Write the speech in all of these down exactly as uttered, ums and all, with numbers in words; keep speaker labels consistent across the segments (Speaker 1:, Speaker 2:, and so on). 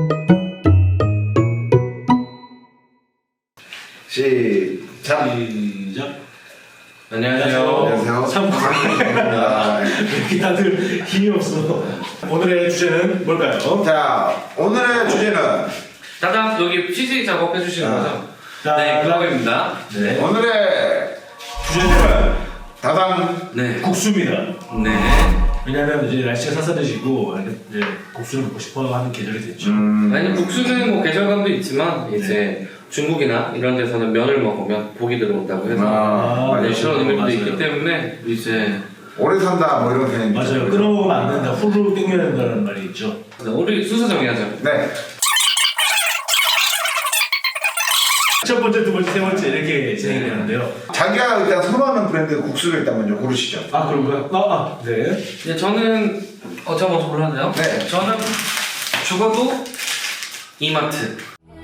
Speaker 1: 시작.
Speaker 2: 시작.
Speaker 3: 안녕하세요.
Speaker 1: 안녕하세요.
Speaker 2: 참 반갑습니다. 이렇게 다들 힘이 없어. 오늘의 주제는 뭘까요?
Speaker 1: 자, 오늘의 주제는
Speaker 3: 따당 여기 피지 작업 해주시는
Speaker 1: 아.
Speaker 3: 거죠?
Speaker 2: 자,
Speaker 3: 네, 그거입니다. 네.
Speaker 1: 오늘의
Speaker 2: 주제는
Speaker 1: 다당
Speaker 3: 네.
Speaker 2: 국수입니다.
Speaker 3: 네.
Speaker 2: 왜냐하면 이제 날씨가 쌀쌀해지고 이제 국수를 먹고 싶어 하는 계절이 됐죠.
Speaker 1: 음,
Speaker 3: 아니 국수는 뭐 계절감도 있지만 이제 중국이나 이런 데서는 면을 먹으면 복이 들어온다고 해서
Speaker 2: 아,
Speaker 3: 네,
Speaker 2: 그렇죠.
Speaker 3: 그런 의미도
Speaker 2: 맞아요.
Speaker 3: 있기 때문에 이제
Speaker 1: 오래 산다 뭐 이런 개념이
Speaker 2: 맞아요.
Speaker 1: 있죠.
Speaker 2: 끊어먹으면 안 된다. 후루룩 땡겨야 된다는 말이 있죠.
Speaker 3: 우리 순서 정해야죠.
Speaker 1: 네.
Speaker 2: 첫 번째, 두 번째, 세 번째 이렇게 진행이 되는데요.
Speaker 1: 자기가 일단 선호하는 브랜드 국수를 일단 먼저 고르시죠.
Speaker 2: 아, 그런가요? 아, 아, 네.
Speaker 3: 네, 저는 어, 저 먼저 골라야 돼요?
Speaker 1: 네.
Speaker 3: 저는 죽어도 이마트.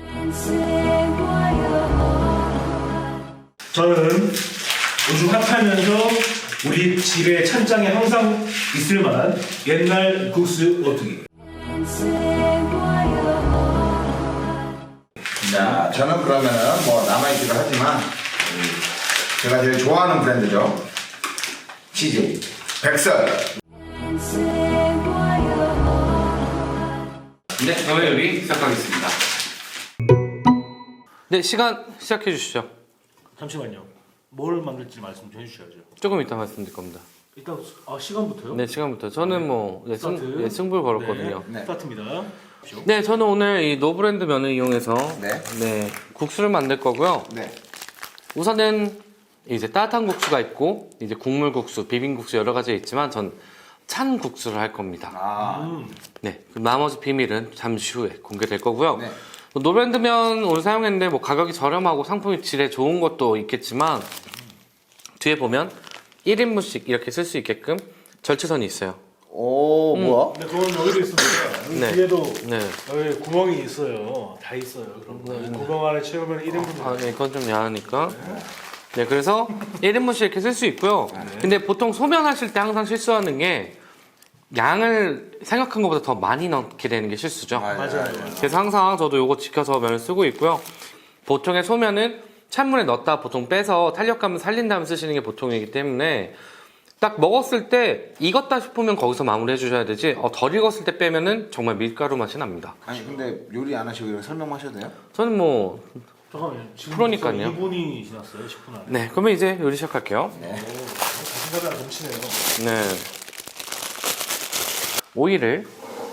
Speaker 2: 저는 요즘 핫하면서 우리 집의 찬장에 항상 있을 만한 옛날 국수 오뚜기.
Speaker 1: 자, 저는 그러면은 뭐 남아있기도 하지만 제가 제일 좋아하는 브랜드죠. 씨제이 백설.
Speaker 3: 네, 그러면 요리 시작하겠습니다. 네, 시간 시작해 주시죠.
Speaker 2: 잠시만요. 뭘 만들지 말씀 좀 해주셔야죠.
Speaker 3: 조금 이따 말씀드릴 겁니다.
Speaker 2: 일단 아, 시간부터요?
Speaker 3: 네, 시간부터. 저는 뭐 네, 승,
Speaker 2: 스타트.
Speaker 3: 예, 승부를 걸었거든요.
Speaker 2: 네,
Speaker 1: 네.
Speaker 2: 스타트입니다.
Speaker 3: 네, 저는 오늘 이 노브랜드 면을 이용해서
Speaker 1: 네.
Speaker 3: 네, 국수를 만들 거고요.
Speaker 1: 네.
Speaker 3: 우선은 이제 따뜻한 국수가 있고 이제 국물 국수, 비빔국수 여러 가지 있지만 전 찬 국수를 할 겁니다.
Speaker 1: 아,
Speaker 2: 음.
Speaker 3: 네, 그 나머지 비밀은 잠시 후에 공개될 거고요.
Speaker 1: 네.
Speaker 3: 노브랜드 면 오늘 사용했는데 뭐 가격이 저렴하고 상품이 질에 좋은 것도 있겠지만 뒤에 보면 일 인분씩 이렇게 쓸 수 있게끔 절취선이 있어요.
Speaker 1: 오, 뭐야?
Speaker 2: 근데 그건 여기도 있습니다. 여기
Speaker 3: 네.
Speaker 2: 뒤에도
Speaker 3: 네.
Speaker 2: 여기 구멍이 있어요. 다 있어요. 그럼 이 구멍 안에 채우면 일 인분.
Speaker 3: 아, 네, 이건 좀 야하니까. 네, 그래서 일 인분씩 이렇게 쓸 수 있고요. 근데 보통 소면 하실 때 항상 실수하는 게 양을 생각한 것보다 더 많이 넣게 되는 게 실수죠.
Speaker 2: 맞아요.
Speaker 3: 그래서 항상 저도 요거 지켜서 면을 쓰고 있고요. 보통의 소면은 찬물에 넣었다 보통 빼서 탄력감을 살린 다음에 쓰시는 게 보통이기 때문에 딱 먹었을 때 익었다 싶으면 거기서 마무리 해주셔야 되지 어, 덜 익었을 때 빼면은 정말 밀가루 맛이 납니다.
Speaker 1: 아니 근데 요리 안 하시고 이런 설명하셔도 돼요?
Speaker 3: 저는 뭐
Speaker 2: 잠깐만요. 지금
Speaker 3: 프로니까요.
Speaker 2: 이 분이 지났어요. 십 분 안에.
Speaker 3: 네, 그러면 이제 요리 시작할게요.
Speaker 1: 네.
Speaker 2: 오, 자신감이 넘치네요.
Speaker 3: 네. 오이를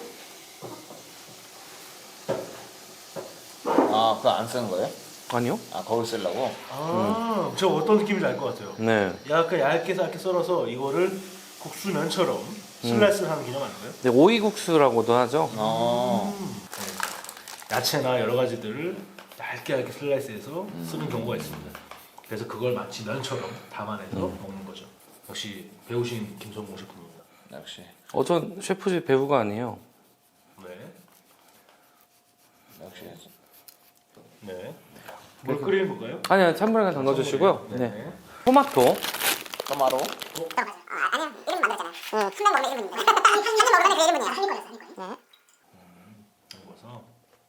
Speaker 1: 아, 그거 안 쓰는 거예요?
Speaker 3: 아니요?
Speaker 1: 아, 거울 쓰려고?
Speaker 2: 아, 저 어떤 느낌인지 알 것 같아요.
Speaker 3: 네.
Speaker 2: 약간 얇게 얇게 썰어서 이거를 국수면처럼 슬라이스를 하는 개념 아닌가요?
Speaker 3: 네, 오이국수라고도 하죠.
Speaker 1: 어.
Speaker 2: 네. 야채나 여러 가지들을 얇게 얇게 슬라이스해서 쓰는 경우가 있습니다. 그래서 그걸 마치 면처럼 담아내서 먹는 거죠. 역시 배우신 김성공 셰프입니다.
Speaker 1: 역시.
Speaker 3: 어, 전 셰프지 배우가 아니에요.
Speaker 2: 네.
Speaker 1: 역시.
Speaker 2: 네. 뭘 끓이는 건가요?
Speaker 3: 아니요, 찬물에 그냥 담가주시고요.
Speaker 2: 네.
Speaker 3: 네. 토마토.
Speaker 1: 토마토.
Speaker 4: 아니요, 이름 만들었잖아요. 응, 한 명 먹으면 일 분입니다. 한 명 먹으면 그 일 분이에요. 한 입 걸렸어,
Speaker 2: 담궈서.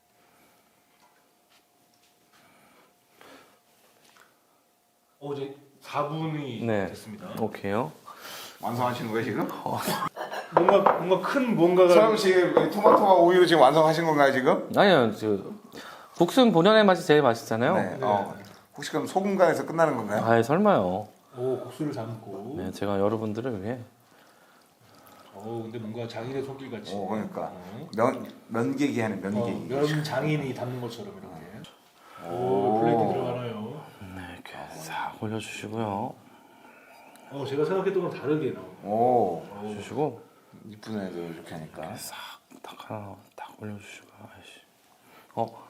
Speaker 2: 어, 이제 사 분이
Speaker 3: 네.
Speaker 2: 됐습니다.
Speaker 3: 오케이요.
Speaker 1: 완성하신 거예요 지금?
Speaker 2: 뭔가 뭔가 큰 뭔가가
Speaker 1: 서영 씨 토마토와 우유로 지금 완성하신 건가요 지금?
Speaker 3: 아니요, 저 국수는 본연의 맛이 제일 맛있잖아요.
Speaker 1: 네. 어. 혹시 그럼 소금간에서 끝나는 건가요?
Speaker 3: 아예 설마요.
Speaker 2: 오, 국수를 담고.
Speaker 3: 네, 제가 여러분들을 위해.
Speaker 2: 오, 근데 뭔가 장인의 손길 같이.
Speaker 1: 오, 그러니까
Speaker 2: 어.
Speaker 1: 면 면계기 하는
Speaker 2: 어,
Speaker 1: 면계기.
Speaker 2: 면 장인이 담는 것처럼 이렇게. 오,
Speaker 1: 오.
Speaker 2: 플레이팅 들어가나요?
Speaker 3: 네, 이렇게 싹 올려주시고요.
Speaker 2: 어, 제가 생각했던 건 다르게 나오네.
Speaker 1: 오,
Speaker 3: 주시고
Speaker 1: 이쁜 애들 이렇게 하니까.
Speaker 3: 싹딱 하나 딱 올려주시고. 아이씨. 어,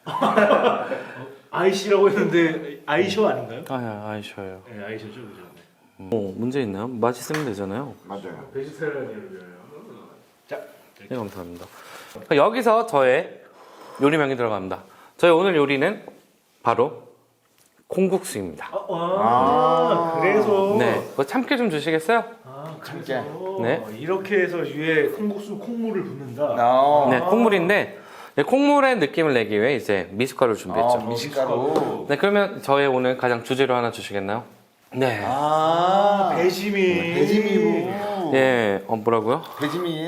Speaker 2: 아이씨라고 했는데 아이쇼 아닌가요?
Speaker 3: 아야, 아이셔요.
Speaker 2: 네, 아이쇼죠, 그죠? 네.
Speaker 3: 뭐 문제 있나요? 맛있으면 되잖아요.
Speaker 1: 맞아요.
Speaker 2: 베지테리안을 위하여. 자,
Speaker 3: 네, 감사합니다. 여기서 저의 요리명이 들어갑니다. 저희 오늘 요리는 바로 콩국수입니다.
Speaker 2: 아, 아, 그래서.
Speaker 3: 네, 그거 참깨 좀 주시겠어요?
Speaker 2: 아,
Speaker 1: 참깨.
Speaker 2: 그래서
Speaker 3: 네.
Speaker 2: 이렇게 해서 위에 콩국수 콩물을 붓는다.
Speaker 1: 어.
Speaker 3: 네, 콩물인데 네, 콩물의 느낌을 내기 위해 이제 미숫가루를 준비했죠.
Speaker 1: 아, 미숫가루.
Speaker 3: 네, 그러면 저의 오늘 가장 주재료 하나 주시겠나요? 네.
Speaker 1: 아,
Speaker 2: 배지미.
Speaker 1: 배지미루.
Speaker 3: 예, 어, 뭐라고요?
Speaker 1: 배지미.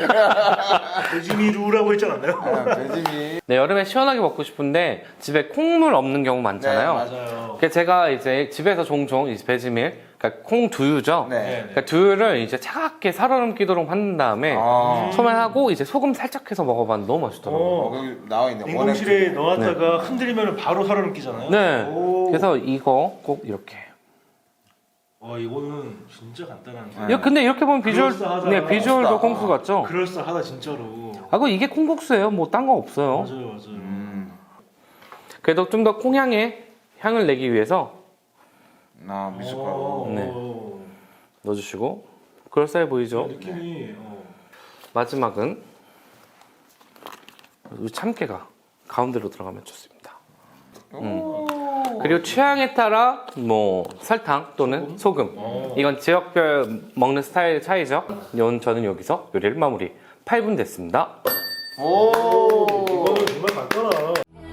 Speaker 2: 배지미루라고 했지 않았나요?
Speaker 1: 아, 배지미.
Speaker 3: 네, 여름에 시원하게 먹고 싶은데 집에 콩물 없는 경우 많잖아요.
Speaker 1: 네,
Speaker 2: 맞아요.
Speaker 3: 그래서 제가 이제 집에서 종종 이 배지밀, 그러니까 콩 두유죠.
Speaker 1: 네.
Speaker 2: 네.
Speaker 3: 그러니까 두유를 이제 차갑게 살얼음기도록 한 다음에
Speaker 1: 아.
Speaker 3: 소면하고 이제 소금 살짝 해서 먹어봤는데 너무 맛있더라고요.
Speaker 1: 어, 여기 나와 있네.
Speaker 2: 냉동실에 넣었다가 흔들리면 바로 살아남기잖아요.
Speaker 3: 네.
Speaker 2: 오.
Speaker 3: 그래서 이거 꼭 이렇게.
Speaker 2: 와 이거는 진짜 간단한 거.
Speaker 1: 네.
Speaker 3: 야, 근데 이렇게 보면 비주얼,
Speaker 2: 그럴싸하다.
Speaker 3: 네, 비주얼도
Speaker 1: 멋있다.
Speaker 3: 콩국수 같죠?
Speaker 2: 그럴싸하다 진짜로.
Speaker 3: 아, 그 이게 콩국수예요. 뭐 딴 거 없어요.
Speaker 2: 맞아요, 맞아요.
Speaker 1: 음.
Speaker 3: 그래도 좀 더 콩향의 향을 내기 위해서
Speaker 1: 아, 미숫가루.
Speaker 2: 오.
Speaker 3: 네. 넣어주시고 그럴싸해 보이죠?
Speaker 2: 느낌이. 어.
Speaker 3: 마지막은 이 참깨가 가운데로 들어가면 좋습니다. 음. 그리고 취향에 따라 뭐 설탕 또는 소금,
Speaker 2: 어.
Speaker 3: 이건 지역별 먹는 스타일 차이죠. 연 저는 여기서 요리를 마무리. 팔 분 됐습니다.
Speaker 1: 오.
Speaker 2: 이거는 정말 간단하다.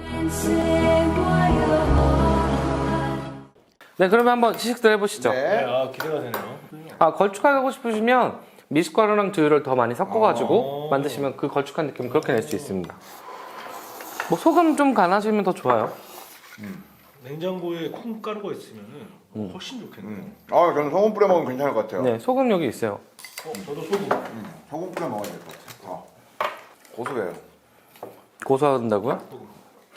Speaker 3: 네, 그러면 한번 시식들 해보시죠.
Speaker 1: 네.
Speaker 2: 네, 아 기대가 되네요.
Speaker 3: 아, 걸쭉하게 싶으시면 미숫가루랑 두유를 더 많이 섞어가지고
Speaker 2: 어.
Speaker 3: 만드시면 그 걸쭉한 느낌 그렇게 낼 수 있습니다. 뭐 소금 좀 간하시면 더 좋아요.
Speaker 2: 냉장고에 콩가루가 있으면은
Speaker 3: 음.
Speaker 2: 훨씬 좋겠네요.
Speaker 1: 음. 아, 저는 소금 뿌려 먹으면 괜찮을 것 같아요.
Speaker 3: 네, 소금 여기 있어요.
Speaker 2: 어, 저도 소금.
Speaker 1: 음, 소금 뿌려 먹어야 될 것 같아요. 어. 고소해요.
Speaker 3: 고소한다고요?
Speaker 2: 소금.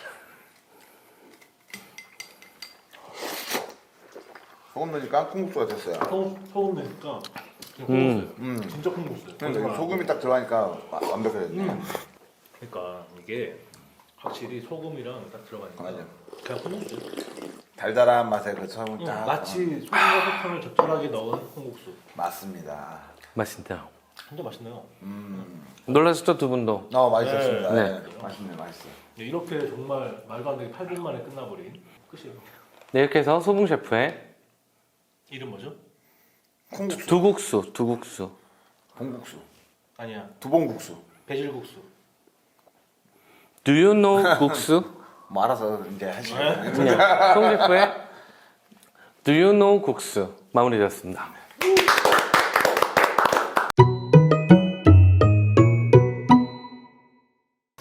Speaker 1: 소금 넣으니까 콩국수가 됐어요.
Speaker 2: 소금, 소금 넣으니까 그냥
Speaker 3: 음.
Speaker 2: 콩국수예요.
Speaker 1: 음.
Speaker 2: 진짜 콩국수예요.
Speaker 1: 근데 여기 소금이 딱 들어가니까 와- 완벽해졌네.
Speaker 2: 음. 그러니까 이게 확실히 소금이랑 딱 들어가니까
Speaker 1: 맞아요.
Speaker 2: 그냥 콩국수.
Speaker 1: 달달한 맛에 그 소금
Speaker 2: 응,
Speaker 1: 딱.
Speaker 2: 마치 소금과 설탕을 적절하게 넣은 콩국수.
Speaker 1: 맞습니다.
Speaker 3: 맛있네요.
Speaker 2: 진짜 맛있네요.
Speaker 1: 음.
Speaker 3: 놀라셨죠, 두 분도?
Speaker 1: 어, 맛있었습니다.
Speaker 3: 네.
Speaker 1: 네. 맛있네, 맛있어.
Speaker 2: 네, 이렇게 정말 말도 안 되게 팔 분 만에 끝나버린 끝이에요.
Speaker 3: 네, 이렇게 해서 소붕 셰프의
Speaker 2: 이름 뭐죠?
Speaker 1: 콩국수,
Speaker 3: 두국수, 두국수.
Speaker 1: 봉국수,
Speaker 2: 아니야,
Speaker 1: 두봉국수.
Speaker 2: 배질국수.
Speaker 3: Do you know 국수?
Speaker 1: 뭐 알아서 이제 하시죠.
Speaker 2: 네.
Speaker 3: 그냥 소붕 셰프의 Do you know 국수 마무리되었습니다.